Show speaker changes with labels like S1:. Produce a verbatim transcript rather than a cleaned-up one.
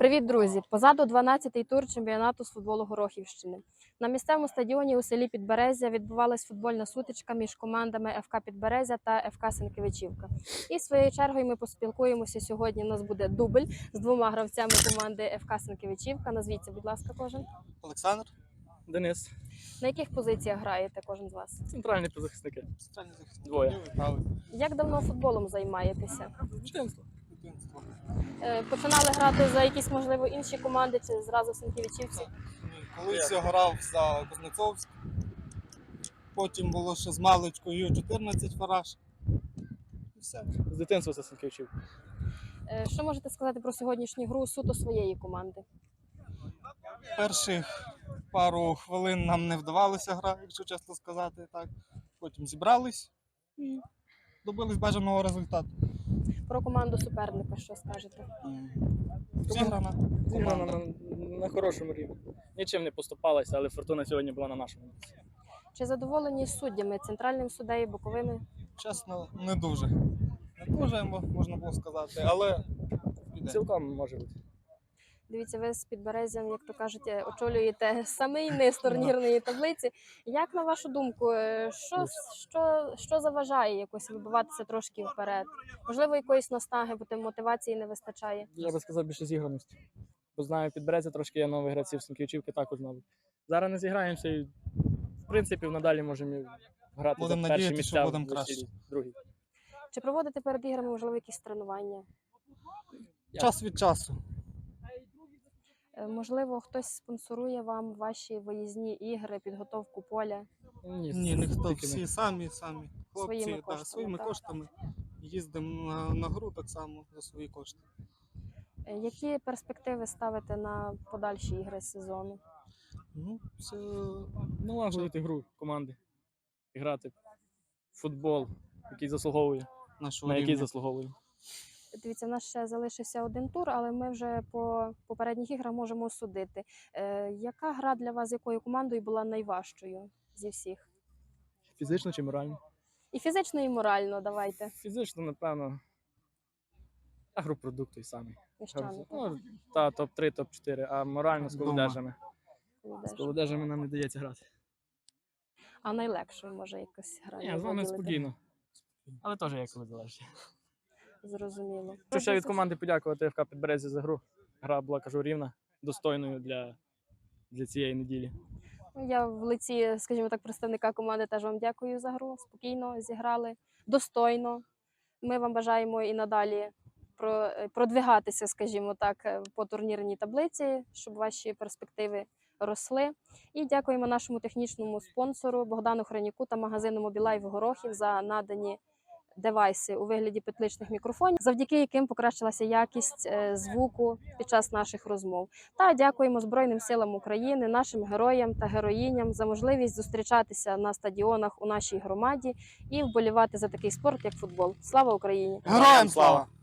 S1: Привіт, друзі! Позаду дванадцятий тур чемпіонату з футболу Горохівщини. На місцевому стадіоні у селі Підберезя відбувалась футбольна сутичка між командами еф ка Підберезя та еф ка Сенкевичівка. І своєю чергою ми поспілкуємося сьогодні. У нас буде дубль з двома гравцями команди еф ка Сенкевичівка. Назвіться, будь ласка, кожен.
S2: Олександр.
S3: Денис.
S1: На яких позиціях граєте кожен з вас?
S3: Центральні позахисники.
S2: Центральний захисник.
S3: Двоє.
S2: Лівий, правий.
S1: Як давно футболом займаєтеся?
S3: Дитинство.
S2: Дитинство.
S1: Е, Починали грати за якісь, можливо, інші команди чи зразу в Сенкевичівці?
S2: Ні, колись я грав за Кузнецовськ. Потім було ще з маличкою ю чотирнадцять фараж. І все.
S3: З дитинства це Сенкевичів.
S1: Е, Що можете сказати про сьогоднішню гру суто своєї команди?
S2: Перших пару хвилин нам не вдавалося гра, якщо чесно сказати. Так. Потім зібрались і добились бажаного результату.
S1: Про команду суперника що скажете?
S2: Зіграна
S3: Зіграна
S2: команда.
S3: на, на хорошому рівні. Нічим не поступалася, але фортуна сьогодні була на нашому боці.
S1: Чи задоволені суддями, центральним суддею, боковими?
S2: Чесно, не дуже. Не дуже, можна було сказати, але піде.
S3: Цілком може бути.
S1: Дивіться, ви з Підберезям, як то кажуть, очолюєте самий низ турнірної таблиці. Як, на вашу думку, е, що, що, що заважає якось вибиватися трошки вперед? Можливо, якоїсь настаги, бо тим мотивації не вистачає?
S3: Я би сказав, більше зіграності. Бо знаю, Підберезя трошки є нових гравців, Сенкевичівки також нових. Зараз не зіграємося і, в принципі, надалі можемо грати
S2: Будемо
S3: за перші
S2: надіятися, що
S3: місця
S2: будемо
S3: в
S2: краще.
S3: усій другій.
S1: Чи проводите перед іграми, можливо, якісь тренування?
S2: Час від часу.
S1: Е, Можливо, хтось спонсорує вам ваші виїзні ігри, підготовку поля?
S3: Ні,
S2: Ні, ніхто,
S3: тільки
S2: всі
S3: ми.
S2: самі, самі. Хлопці,
S1: Своїми
S2: так,
S1: коштами,
S2: своїми
S1: так?
S2: коштами. Їздимо на, на гру так само за свої кошти.
S1: Е, Які перспективи ставите на подальші ігри сезону?
S2: Ну, це
S3: Налагодити гру команди. І грати в футбол, який заслуговує,
S2: нашого
S3: на який
S2: рівня.
S3: заслуговує.
S1: Дивіться, в нас ще залишився один тур, але ми вже по попередніх іграх можемо судити. Е, яка гра для вас, з якою командою була найважчою зі всіх?
S3: Фізично чи морально?
S1: І фізично, і морально, давайте.
S3: Фізично, напевно, агропродукт той самий.
S1: Міщани,
S3: Ну, та топ три, топ чотири, а морально з
S2: Дома.
S3: колодежами.
S1: так?
S3: З колодежами нам не дається грати.
S1: А найлегшою, може, якась гра?
S3: Ні,
S1: є
S3: з вами
S1: виділити?
S3: спокійно. Але теж як коли залежить.
S1: Зрозуміло.
S3: Хочу ще від команди подякувати еф ка Підберезя за гру. Гра була, кажу, рівна, достойною для, для цієї неділі.
S1: Я в лиці, скажімо так, представника команди теж вам дякую за гру. Спокійно зіграли, достойно. Ми вам бажаємо і надалі про- продвигатися, скажімо так, по турнірній таблиці, щоб ваші перспективи росли. І дякуємо нашому технічному спонсору Богдану Храніку та магазину Мобілайв Горохів за надані девайси у вигляді петличних мікрофонів, завдяки яким покращилася якість е, звуку під час наших розмов. Та дякуємо Збройним силам України, нашим героям та героїням за можливість зустрічатися на стадіонах у нашій громаді і вболівати за такий спорт, як футбол. Слава Україні!
S2: Героям слава!